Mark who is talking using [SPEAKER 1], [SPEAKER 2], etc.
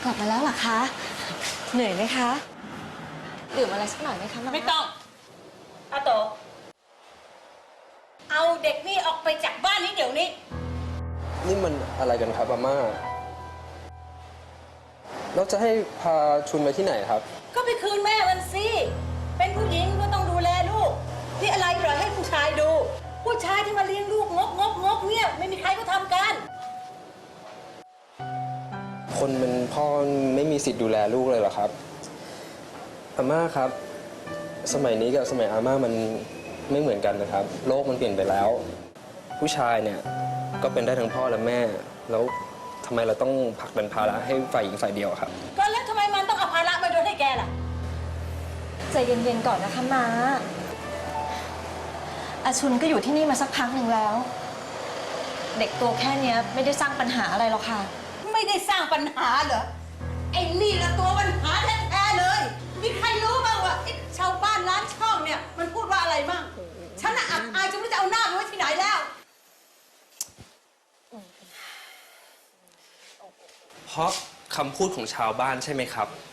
[SPEAKER 1] กลับมาแล้วเหรอคะ เหนื่อยไหมคะดื่มอะไรสักหน่อยไหมคะ
[SPEAKER 2] ไม่ต้องอาโตเอาเด็กนี่ออกไปจากบ้านนี้เดี๋ยวนี้
[SPEAKER 3] นี่มันอะไรกันครับอาม่าเราจะให้พาชุนไปที่ไหนครับ
[SPEAKER 2] ก็ไปคืนแม่มันสิเป็นผู้หญิงก็ต้องดูแลลูกที่อะไรปล่อยให้ผู้ชายดูผู้ชายที่มาเลี้ยงลูกงกเนี่ยไม่มีใครก็ทำกัน
[SPEAKER 3] คนเป็นพ่อไม่มีสิทธิ์ดูแลลูกเลยเหรอครับอาม่าครับสมัยนี้กับสมัยอาม่ามันไม่เหมือนกันนะครับโลกมันเปลี่ยนไปแล้วผู้ชายเนี่ยก็เป็นได้ทั้งพ่อและแม่แล้วทำไมเราต้องผลักดันภาระให้ฝ่ายหญิงฝ่ายเดียวครับ
[SPEAKER 2] ก็แล้วทำไมมันต้องเอาภาระมาโดนให้แกล่ะ
[SPEAKER 1] ใจเย็นๆก่อนนะคะม้าอาชุนก็อยู่ที่นี่มาสักพักหนึ่งแล้วเด็กตัวแค่นี้ไม่ได้สร้างปัญหาอะไรหรอกค่ะ
[SPEAKER 2] ไม่ได้สร้างปัญหาเหรอไอ้นี่ละตัวปัญหาแท้ๆเลยมีใครรู้บ้างว่าชาวบ้านร้านช่องเนี่ยมันพูดว่าอะไรบ้างฉันน่ะอับอายจนไม่รู้จะเอาหน้าไปไว้ที่ไหนแล้ว
[SPEAKER 3] เพราะคำพูดของชาวบ้านใช่ไหมครับ